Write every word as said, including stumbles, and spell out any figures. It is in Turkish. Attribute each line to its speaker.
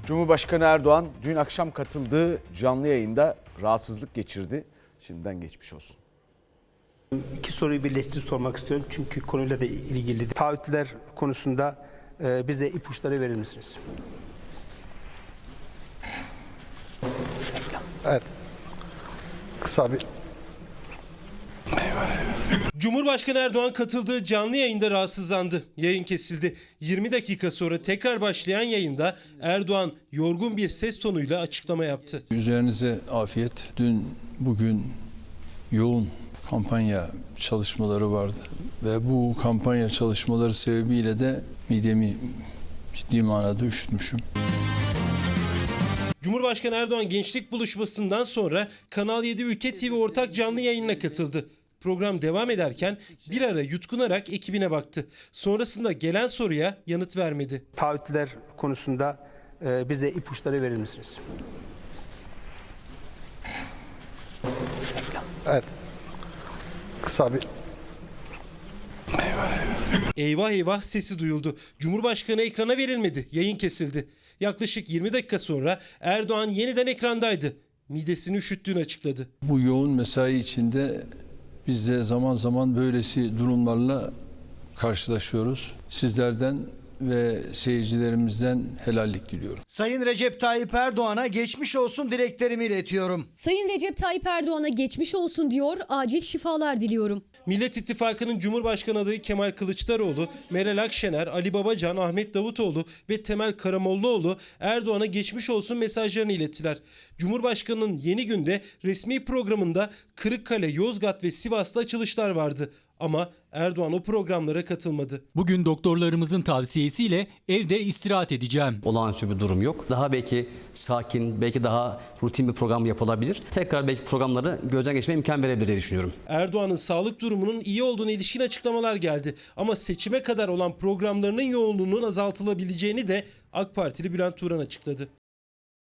Speaker 1: Cumhurbaşkanı Erdoğan dün akşam katıldığı canlı yayında rahatsızlık geçirdi. Şimdiden geçmiş olsun.
Speaker 2: İki soruyu birleştirip sormak istiyorum çünkü konuyla da ilgili. Taahhütler konusunda e, bize ipuçları verir misiniz?
Speaker 3: Evet. Kısa bir...
Speaker 4: Cumhurbaşkanı Erdoğan katıldığı canlı yayında rahatsızlandı. Yayın kesildi. yirmi dakika sonra tekrar başlayan yayında Erdoğan yorgun bir ses tonuyla açıklama yaptı.
Speaker 5: Üzerinize afiyet. Dün, bugün yoğun kampanya çalışmaları vardı. Ve bu kampanya çalışmaları sebebiyle de midemi ciddi manada üşütmüşüm.
Speaker 4: Cumhurbaşkanı Erdoğan gençlik buluşmasından sonra Kanal yedi Ülke T V ortak canlı yayınına katıldı. Program devam ederken bir ara yutkunarak ekibine baktı. Sonrasında gelen soruya yanıt vermedi.
Speaker 2: Taahhütler konusunda e, bize ipuçları verir misiniz?
Speaker 3: Evet. Kısa bir...
Speaker 4: Eyvah eyvah sesi duyuldu. Cumhurbaşkanı ekrana verilmedi. Yayın kesildi. Yaklaşık yirmi dakika sonra Erdoğan yeniden ekrandaydı. Midesini üşüttüğünü açıkladı.
Speaker 5: Bu yoğun mesai içinde biz de zaman zaman böylesi durumlarla karşılaşıyoruz. Sizlerden ve seyircilerimizden helallik diliyorum.
Speaker 6: Sayın Recep Tayyip Erdoğan'a geçmiş olsun dileklerimi iletiyorum.
Speaker 7: Sayın Recep Tayyip Erdoğan'a geçmiş olsun diyor, acil şifalar diliyorum.
Speaker 4: Millet İttifakı'nın Cumhurbaşkanı adayı Kemal Kılıçdaroğlu, Meral Akşener, Ali Babacan, Ahmet Davutoğlu ve Temel Karamollaoğlu Erdoğan'a geçmiş olsun mesajlarını ilettiler. Cumhurbaşkanı'nın Yeni Gün'de resmi programında Kırıkkale, Yozgat ve Sivas'ta açılışlar vardı. Ama Erdoğan o programlara katılmadı.
Speaker 8: Bugün doktorlarımızın tavsiyesiyle evde istirahat edeceğim.
Speaker 9: Olağanüstü bir durum yok. Daha belki sakin, belki daha rutin bir program yapılabilir. Tekrar belki programları gözden geçirmeye imkan verebilir diye düşünüyorum.
Speaker 4: Erdoğan'ın sağlık durumunun iyi olduğuna ilişkin açıklamalar geldi. Ama seçime kadar olan programlarının yoğunluğunun azaltılabileceğini de AK Partili Bülent Turan açıkladı.